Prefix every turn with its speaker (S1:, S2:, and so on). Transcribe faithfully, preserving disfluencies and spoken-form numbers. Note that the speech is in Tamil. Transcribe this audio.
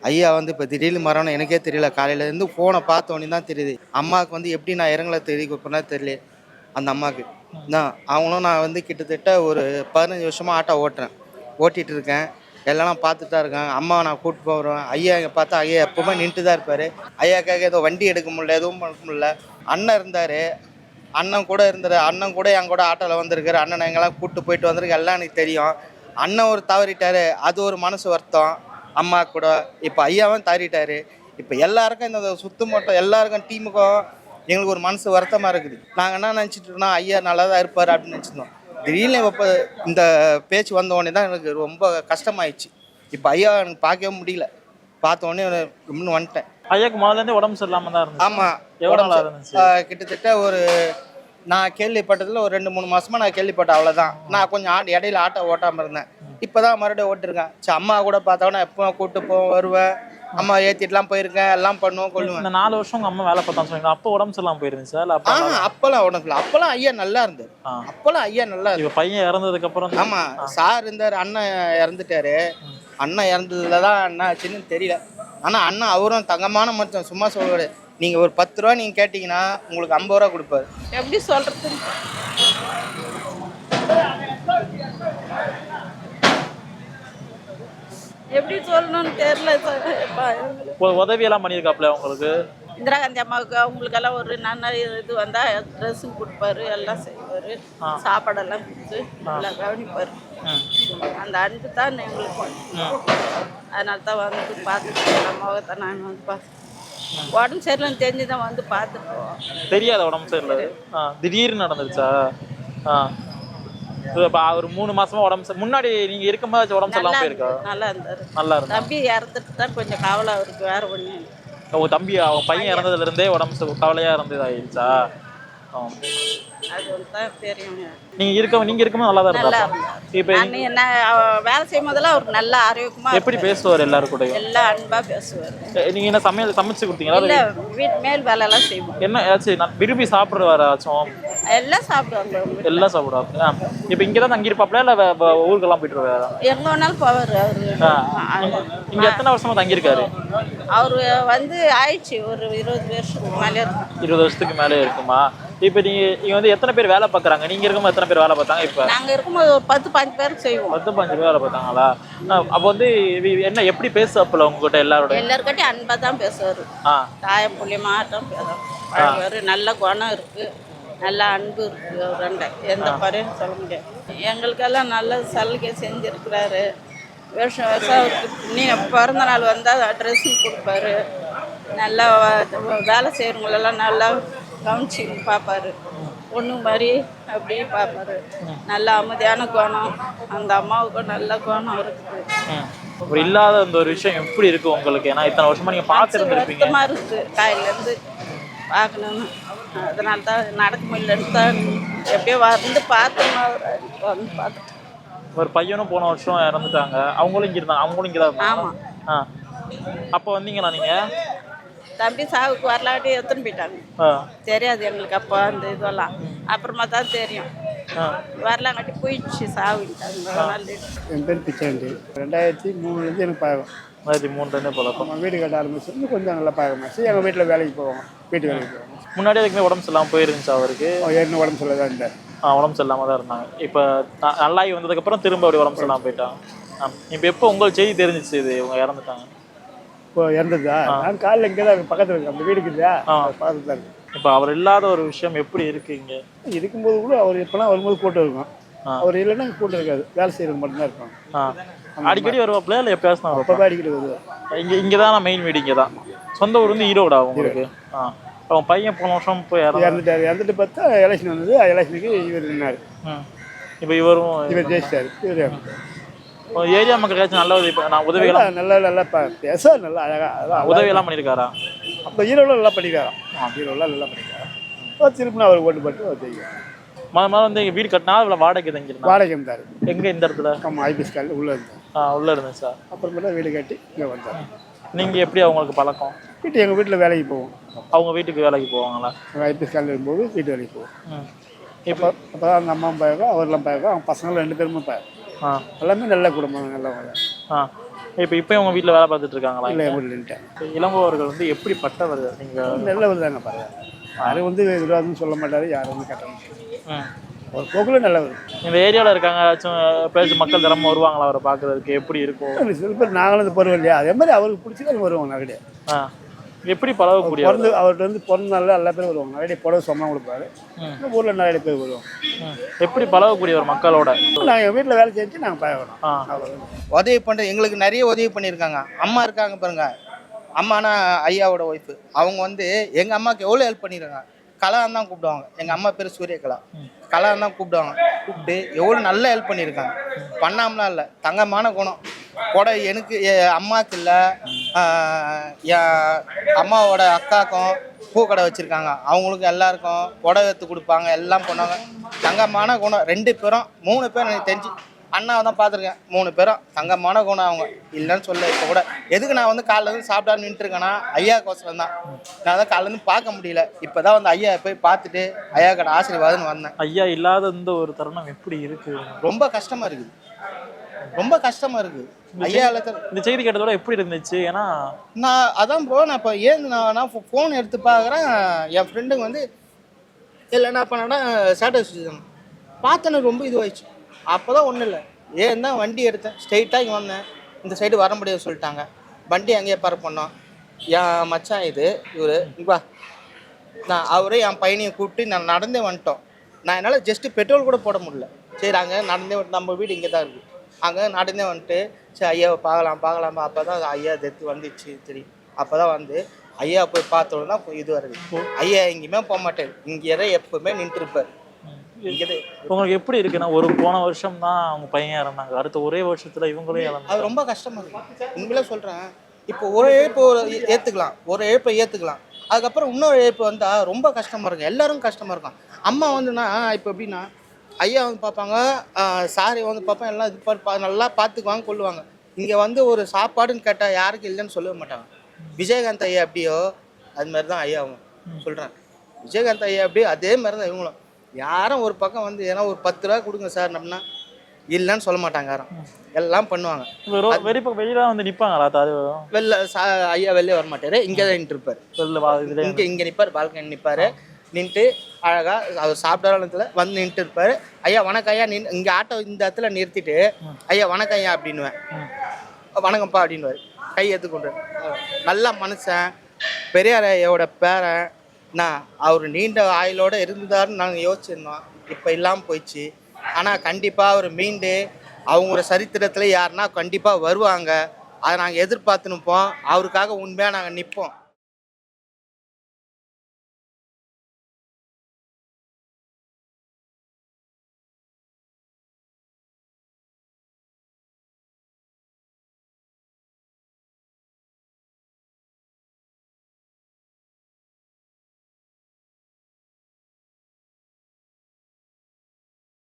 S1: ஐயா வந்து இப்போ திடீர்னு மரணம் எனக்கே தெரியல. காலையிலேருந்து ஃபோனை பார்த்தோன்னே தான் தெரியுது. அம்மாவுக்கு வந்து எப்படி நான் இரங்கலை தெரிவிக்கப்பேன்னா தெரியல அந்த அம்மாவுக்கு. நான் அவங்களும் நான் வந்து கிட்டத்தட்ட ஒரு பதினஞ்சு வருஷமாக ஆட்டோ ஓட்டுறேன். ஓட்டிகிட்டு இருக்கேன். எல்லாம் பார்த்துட்டு தான் இருக்காங்க. அம்மாவை நான் கூப்பிட்டு போகிறேன். ஐயா இங்கே பார்த்தா ஐயா எப்போவுமே நின்றுட்டு தான் இருப்பார். ஐயாக்காக ஏதோ வண்டி எடுக்க முடியல, எதுவும் பண்ண முடியல. அண்ணன் இருந்தார். அண்ணன் கூட இருந்தார். அண்ணன் கூட என் கூட ஆட்டோவில் வந்திருக்காரு. அண்ணனை எங்கெல்லாம் கூப்பிட்டு போயிட்டு வந்திருக்கு எல்லாம் எனக்கு தெரியும். அண்ணன் ஒரு தவறிட்டார். அது ஒரு மனசு வருத்தம். அம்மா கூட இப்போ ஐயாவும் தவறிட்டார். இப்போ எல்லாருக்கும் இந்த சுத்து மட்டும் எல்லாருக்கும் டீமுக்கும் எங்களுக்கு ஒரு மனசு வருத்தமாக இருக்குது. நாங்கள் என்ன நினச்சிட்டு இருக்கோம், ஐயா நல்லா தான் இருப்பார் அப்படின்னு நினச்சிருந்தோம். திடீர்னு இப்போ இந்த பேச்சு வந்த உடனே தான் எனக்கு ரொம்ப கஷ்டமாயிடுச்சு. இப்போ ஐயா எனக்கு பார்க்கவே முடியல. பார்த்த உடனே இன்னும் வந்துட்டேன்.
S2: ஐயாக்கு முதல்லேருந்தே உடம்பு சரியில்லாமல் தான் இருந்துச்சு.
S1: ஆமாம்,
S2: எவ்வளோ இருந்துச்சு?
S1: கிட்டத்தட்ட ஒரு நான் கேள்விப்பட்டதில் ஒரு ரெண்டு மூணு மாதமாக நான் கேள்விப்பட்டேன், அவ்வளோதான். நான் கொஞ்சம் ஆட்டு இடையில ஆட்டோ ஓட்டாமல் இருந்தேன். இப்போ தான் மறுபடியும் ஓட்டிருக்கேன். சரி, அம்மா கூட பார்த்தோன்னா எப்போ கூப்பிட்டு போவேன் வருவேன். அம்மா ஏற்றிட்டுலாம் போயிருக்கேன், எல்லாம் பண்ணுவோம் கொள்ளுவேன்.
S2: இந்த நாலு வருஷம் உங்கள் அம்மா வேலை பார்த்தான்னு சொன்னீங்க. அப்போ உடம்பு சரியில்லாமல் போயிருந்துச்சு சார்?
S1: அப்போ அப்போல்லாம் உடம்பு இல்லை. அப்போல்லாம் ஐயா நல்லா இருந்தார். அப்போல்லாம் ஐயா நல்லா இருக்கு.
S2: இப்போ பையன் இறந்ததுக்கப்புறம்?
S1: ஆமாம், சார் இருந்தார். அண்ணன் இறந்துட்டாரு. அண்ணன் இறந்ததுல தான் என்ன ஆச்சுன்னு தெரியல. ஆனால் அண்ணன் அவரும் தங்கமான மனுஷன், சும்மா சொல்லுவாரு. நீங்கள் ஒரு பத்து ரூபா நீங்கள் கேட்டிங்கன்னா உங்களுக்கு ஐம்பது ரூபா கொடுப்பாரு.
S3: எப்படி சொல்கிறது, எப்படி சொல்லணும்னு தெரியல.
S2: உதவியெல்லாம் பண்ணியிருக்காப்புல உங்களுக்கு?
S3: இந்திரா காந்தி அம்மாவுக்கு அவங்களுக்கெல்லாம் ஒரு நல்ல இது வந்தால் ட்ரெஸ்ஸும் கொடுப்பாரு, எல்லாம் செய்வார், சாப்பாடெல்லாம் கொடுத்து எல்லாம் கவனிப்பார். அந்த அன்பு தான் எங்களுக்கு. அதனால தான் வந்து பார்த்துட்டு அம்மாவை தான் நாங்கள் வந்து பார்த்து உடம்பு சரியில்லைன்னு தெரிஞ்சு தான் வந்து பார்த்துருக்கோம்.
S2: தெரியாத உடம்பு சரியில்லை, திடீர்னு நடந்துருச்சா? ஆ, இப்போ ஒரு மூணு மாசமா உடம்பு முன்னாடி நீங்க இருக்கும்போது உடம்பு சரியில்லாம போயிருக்கா?
S3: நல்லா இருந்தாரு.
S2: நல்லா இருந்தாரு.
S3: தம்பி இறந்துட்டு தான் கொஞ்சம் கவலை அவருக்கு, வேற ஒண்ணு.
S2: உங்க தம்பி அவன் பையன் இறந்ததுல இருந்தே உடம்பு கவலையா இருந்தது ஆயிடுச்சா?
S3: அது ஒன்று தான் தெரியும்.
S2: நீங்க இருக்க நீங்க இருக்கும்போது நல்லா தான் இருந்தா?
S3: இப்போ என்ன வேலை செய்யும் போதெல்லாம் அவருக்கு நல்ல ஆரோக்கியமா.
S2: எப்படி பேசுவார் எல்லாரும் கூட?
S3: எல்லாம் அன்பா பேசுவார்.
S2: நீங்க என்ன சமையல் சமைச்சு கொடுத்தீங்களா?
S3: இல்ல, வீட்டு மேல் வேலை எல்லாம் செய்வோம்.
S2: என்ன ஆச்சு, நான் விரும்பி சாப்பிடுவாராச்சும்?
S3: எல்லாம் சாப்பிடுவாங்க.
S2: எல்லாம் சாப்பிடுவாங்க. இப்போ இங்கே தான் தங்கியிருப்பாப்ல இல்லை ஊருக்கெல்லாம் போயிட்டு வருவாரா?
S3: எங்க வேணாலும் போவார் அவரு.
S2: இங்க எத்தனை வருஷமா தங்கியிருக்காரு
S3: அவரு? வந்து ஆயிடுச்சு ஒரு இருபது வருஷத்துக்கு மேலே இருக்கும்.
S2: இருபது வருஷத்துக்கு மேலே இருக்குமா? இப்போ நீங்க இங்க வந்து எத்தனை பேர் வேலை பார்க்குறாங்க? நீங்க இருக்கும்போது எத்தனை பேர் வேலை பார்த்தாங்க? இப்போ
S3: நாங்க இருக்கும்போது ஒரு பத்து பாஞ்சு பேருக்கு செய்வோம்.
S2: பத்து பாஞ்சு பேர் வேலை பார்த்தாங்களா? அப்போ வந்து என்ன எப்படி பேசுவாப்புல உங்ககிட்ட? எல்லாரோட
S3: எல்லாருக்கிட்டையும் அன்பா தான் பேசுவாரு. தாயம் புள்ளியமாட்டம் பேசுவாரு. நல்ல குணம் இருக்கு, நல்ல அன்பு இருக்கு. அவர் ரெண்டை எந்த குறையும் சொல்ல முடியாது. எங்களுக்கெல்லாம் நல்ல சலுகை செஞ்சுருக்கிறாரு. வருஷம் வருஷம் அவருக்கு நீ பிறந்த நாள் வந்தால் ட்ரெஸ்ஸும் கொடுப்பாரு. நல்லா வேலை செய்கிறவங்களெல்லாம் நல்லா கவனிச்சு பார்ப்பாரு. பொண்ணு மாதிரி அப்படியே பார்ப்பாரு. நல்ல அமைதியான குணம். அந்த அம்மாவுக்கும் நல்ல குணம் இருக்குது.
S2: ஒரு இல்லாத அந்த ஒரு விஷயம் எப்படி இருக்கு உங்களுக்கு? ஏன்னா இத்தனை வருஷமா நீங்க பார்த்துருந்துருப்பீங்க.
S3: வருத்தமாக இருக்குது காலையிலேருந்து பார்க்கணுன்னு. அதனால தான் நடக்க முடியலன்னு தான் எப்படியோ வந்து பார்த்தோம்னா வந்து பார்த்துட்டு.
S2: ஒரு பையனும் போன வருஷம் இறந்துட்டாங்க. அவங்களும் இங்கே இருந்தாங்க. அவங்களும் இங்கே தான் இருந்தாங்க.
S3: ஆமாம்.
S2: ஆ, அப்போ வந்தீங்களா நீங்கள்?
S3: தம்பி சாவுக்கு வரலாட்டி எடுத்துன்னு போயிட்டாங்க. தெரியாது எங்களுக்கு அப்போ அந்த இதெல்லாம். அப்புறமா தான் தெரியும். வரலாங்காட்டி போயிடுச்சு சாவுட்டாங்க.
S4: என் பேர் பிச்சாண்டி. ரெண்டாயிரத்தி மூணுலேருந்து எனக்கு பழகம்.
S2: ரெண்டாயிரத்தி மூணுலேருந்தே பழக்கம்.
S4: நம்ம வீடு கட்ட ஆரம்பிச்சு கொஞ்சம் நல்லா பழகமாச்சு. எங்கள் வீட்டில் வேலைக்கு போவாங்க, வீட்டு வேலைக்கு போவாங்க.
S2: முன்னாடி அதுக்குமே உடம்பு சரியில்லாமல் போயிருந்துச்சு அவருக்கு?
S4: ஏற்கனவே உடம்பு சரியில்லை தான் இருந்தார்.
S2: ஆ, உடம்பு சரியில்லாமல் தான் இருந்தாங்க. இப்போ நல்லாகி வந்ததுக்கப்புறம் திரும்ப அப்படி உடம்பு சரியில்லாமல் போயிட்டாங்க. ஆ, இப்போ எப்போ உங்களுக்கு செய்தி தெரிஞ்சிச்சு இது இவங்க இறந்துட்டாங்க?
S4: இப்போ இறந்ததா? நான் காலையில் இங்கே தான் பக்கத்தில் இருக்கேன். அந்த வீடுக்கு இல்லையா, பக்கத்தில் தான் இருக்கு.
S2: இப்போ அவர் இல்லாத ஒரு விஷயம் எப்படி இருக்கு? இங்கே
S4: இருக்கும்போது கூட அவர் எப்போலாம் வரும்போது கூட்டம் இருக்கும். அவர் இல்லைன்னா கூட்டம் இருக்காது. வேலை செய்கிறது மட்டும்தான் இருக்கும்.
S2: ஆ, அடிக்கடி வருவாப்பில் இல்லை எப்போ
S4: அப்போ அடிக்கடி வருவார்.
S2: இங்கே இங்கே தான் நான் மெயின் வீடு இங்கே தான். சொந்த ஊர் வந்து ஈரோடா உங்களுக்கு? ஆ, அவன் பையன் போன வருஷம் போய்
S4: இறந்துட்டார். இறந்துட்டு பார்த்தா எலெக்ஷன் வந்தது. எலெக்ஷனுக்கு இவர் நின்னார்.
S2: இப்போ இவரும்
S4: இவர் ஜெயிச்சிட்டார். இவர்
S2: ஏரியா மக்களுக்காச்சும் நல்ல உதவி நான் உதவிகளாம்
S4: நல்லா நல்லா பேச நல்லா அழகாக
S2: உதவியெல்லாம் பண்ணியிருக்காரா?
S4: அப்போ ஈரோடு நல்லா பண்ணிக்கிறாராம். ஈரோடெலாம் நல்லா பண்ணிக்கிறாராம். திருப்பினா அவர் ஓட்டு போட்டு அவர் ஜெயிக்கிறார்.
S2: மொதல் முதல்ல வந்து எங்கள் வீடு கட்டினா அதில் வாடகை தங்கிருந்தா?
S4: வாடகை இருந்தார்.
S2: எங்கே? இந்த இடத்துல?
S4: ஆமாம், ஐபிஎஸ் காலில் உள்ளே இருந்தார்.
S2: ஆ, உள்ளே இருந்தேன் சார்.
S4: அப்புறமேட்டா வீடு கட்டி இங்கே வந்தார்.
S2: நீங்கள் எப்படி அவங்களுக்கு பழக்கம்?
S4: வீட்டு எங்கள் வீட்டில் வேலைக்கு போவோம்.
S2: அவங்க வீட்டுக்கு வேலைக்கு போவாங்களா?
S4: ஐபிஎஸ் காலில் இருக்கும்போது வீட்டு வேலைக்கு போவோம். இப்போ அப்போ தான் அந்த அம்மாவும் பழக்கம், அவரெல்லாம் பழக்கம். அவங்க பசங்களும் ரெண்டு பேருமே பழக்கம். எல்லாமே நல்ல குடும்பம், நல்லவங்க.
S2: ஆ, இப்போ இப்போ உங்க வீட்டில் வேலை பார்த்துட்டு இருக்காங்களா?
S4: இல்லை இல்லைன்ட்டாங்க.
S2: இப்ப இளங்கோவர்கள் வந்து எப்படிப்பட்டவர்கள் நீங்கள்?
S4: நல்லவர் தாங்க பரவாயில்ல. யாரும் வந்து விரோதம்னு சொல்ல மாட்டாரு, யாரும் வந்து கட்டணும்
S2: ம்.
S4: ஒரு போக்கில் நல்லவர்.
S2: இந்த ஏரியாவில் இருக்காங்க ஏதாச்சும் பேச்சு மக்கள் திறமை வருவாங்களா அவரை பார்க்கறதுக்கு? எப்படி இருக்கும்?
S4: சில பேர் நாங்களும் இந்த பருவம் இல்லையா, அதே மாதிரி அவருக்கு பிடிச்சது வருவாங்க நிறைய.
S2: ஆ எப்படி பழகக்கூடிய?
S4: பிறந்து அவர்கிட்ட வந்து பிறந்த நாளில் எல்லா பேரும் வருவாங்க. நிறைய புடவை சொந்தம் கொடுப்பாரு. இந்த ஊரில் நிறைய பேர் வருவாங்க.
S2: எப்படி பழகக்கூடியவர் மக்களோட?
S4: நாங்கள் எங்கள் வீட்டில் வேலை செஞ்சு நாங்கள் பழகணும்.
S2: ஆ
S1: உதவி பண்ணுறது எங்களுக்கு நிறைய உதவி பண்ணியிருக்காங்க. அம்மா இருக்காங்க பாருங்க, அம்மானா ஐயாவோட ஒய்ஃபு. அவங்க வந்து எங்கள் அம்மாவுக்கு எவ்வளோ ஹெல்ப் பண்ணியிருக்காங்க. கலான்னு தான் கூப்பிடுவாங்க. எங்கள் அம்மா பேர் சூரியகலா. கலான்னு தான் கூப்பிடுவாங்க. கூப்பிட்டு எவ்வளோ நல்ல ஹெல்ப் பண்ணியிருக்காங்க. பண்ணாமலாம் இல்லை, தங்கமான குணம். கூட எனக்கு என் அம்மாவுக்கு இல்லை, என் அம்மாவோட அக்காக்கும் பூக்கடை வச்சுருக்காங்க. அவங்களுக்கு எல்லாருக்கும் புடவை எடுத்து கொடுப்பாங்க, எல்லாம் பண்ணுவாங்க. தங்கமான குணம். ரெண்டு பேரும் மூணு பேரும் எனக்கு தெரிஞ்சு அண்ணாவை தான் பார்த்துருக்கேன். மூணு பேரும் தங்கமான குணம் அவங்க, இல்லைன்னு சொல்ல. இப்போ கூட எதுக்கு நான் வந்து காலைல இருந்து சாப்பிடாம நின்றுருக்கேன்னா ஐயா கோசரம் தான். நான் தான் காலையிலேருந்து பார்க்க முடியல. இப்போ தான் வந்து ஐயா போய் பார்த்துட்டு ஐயா கடை ஆசீர்வாதம்னு வந்தேன்.
S2: ஐயா இல்லாத இந்த ஒரு தருணம் எப்படி இருக்கு?
S1: ரொம்ப கஷ்டமாக இருக்குது, ரொம்ப கஷ்டமாக இருக்குது. ஐயா இல்லை
S2: இந்த செய்தி கேட்டதோட எப்படி இருந்துச்சு? ஏன்னா
S1: நான் அதான் ப்ரோ, நான் இப்போ ஏன் நான் நான் ஃபோன் எடுத்து பார்க்குறேன். என் ஃப்ரெண்டுங்க வந்து இல்லை என்ன பண்ணேன்னா ஸ்டேட்டஸ் வச்சுருந்தாங்க. பார்த்தேன்னு ரொம்ப இதுவாகிடுச்சு. அப்போ தான் ஒன்றும் இல்லை, ஏன் தான் வண்டி எடுத்தேன், ஸ்ட்ரெயிட்டாக இங்கே வந்தேன். இந்த சைடு வர முடியாது சொல்லிட்டாங்க. வண்டி அங்கேயே பார்க் பண்ணோம். என் மச்சான் இது இவர் இங்கா, நான் அவரே என் பையனையை கூப்பிட்டு நான் நடந்தே வந்துட்டோம். நான் என்னால் ஜஸ்ட்டு பெட்ரோல் கூட போட முடியல. சரி அங்கே நடந்தே வந்துட்டு, நம்ம வீடு இங்கே தான் இருக்குது. அங்கே நடந்தே வந்துட்டு சரி ஐயாவை பார்க்கலாம் பார்க்கலாம். அப்போ தான் ஐயா டெத்து வந்துச்சு தெரியும். அப்போ தான் வந்து ஐயா போய் பார்த்தோன்னு தான் இது வருது. ஐயா எங்கேயுமே போக மாட்டேன், இங்கே தான் எப்போவுமே நின்றுருப்பார். இங்கே
S2: உங்களுக்கு எப்படி இருக்குன்னா, ஒரு போன வருஷம் தான் அவங்க பையன் இறந்தாங்க, அடுத்த ஒரே வருஷத்துல இவங்களே இறந்தாங்க.
S1: அது ரொம்ப கஷ்டமா இருக்கு. உண்மையிலே சொல்கிறேன். இப்போ ஒரு இழப்பு ஏற்றுக்கலாம், ஒரு இழப்பை ஏற்றுக்கலாம். அதுக்கப்புறம் இன்னொரு இழப்பு வந்தால் ரொம்ப கஷ்டமாக இருக்கும், எல்லாரும் கஷ்டமாக இருக்கும். அம்மா வந்துன்னா இப்போ எப்படின்னா ஐயா வந்து பார்ப்பாங்க, சாரி வந்து பார்ப்பேன், எல்லாம் இது பா நல்லா பார்த்துக்குவாங்க கொள்ளுவாங்க. இங்கே வந்து ஒரு சாப்பாடுன்னு கேட்டால் யாருக்கும் இல்லைன்னு சொல்லவே மாட்டாங்க. விஜயகாந்த் ஐயா எப்படியோ அது மாதிரி தான் ஐயா அவங்க சொல்கிறேன். விஜயகாந்த் ஐயா எப்படியோ அதே மாதிரி தான் இவங்களும். யாரும் ஒரு பக்கம் வந்து ஏன்னா ஒரு பத்து ரூபா கொடுங்க சார் அப்படின்னா இல்லைன்னு சொல்ல மாட்டாங்க. யாரும் எல்லாம் பண்ணுவாங்க.
S2: வெளியில வந்து நிற்பாங்களா?
S1: வெளில சா ஐயா வெளியே வர மாட்டார், இங்கே தான் நின்று இருப்பார். இங்கே இங்கே நிற்பார், பால்கனி நிற்பார். நின்றுட்டு அழகாக அவர் சாப்பிட்ற வந்து நின்றுட்டு இருப்பார். ஐயா வணக்கம் ஐயா, நின் இங்கே ஆட்டோ இந்த இடத்துல நிறுத்திட்டு ஐயா வணக்கம் ஐயா அப்படின்னுவேன். வணக்கம்ப்பா அப்படின்னுவார், கை எடுத்துக்கொண்டு. நல்ல மனுஷன், பெரியார் ஐயாவோட பேரன். நான் அவர் நீண்ட ஆயுளோடு இருந்தாருன்னு நாங்கள் யோசிச்சிருந்தோம். இப்போ இல்லாமல் போயிடுச்சு. ஆனால் கண்டிப்பாக அவர் மீண்டு அவங்களோட சரித்திரத்தில் யாருன்னா கண்டிப்பாக வருவாங்க. அதை நாங்கள் எதிர்பார்த்து நிற்போம். அவருக்காக உண்மையாக நாங்கள் நிற்போம்.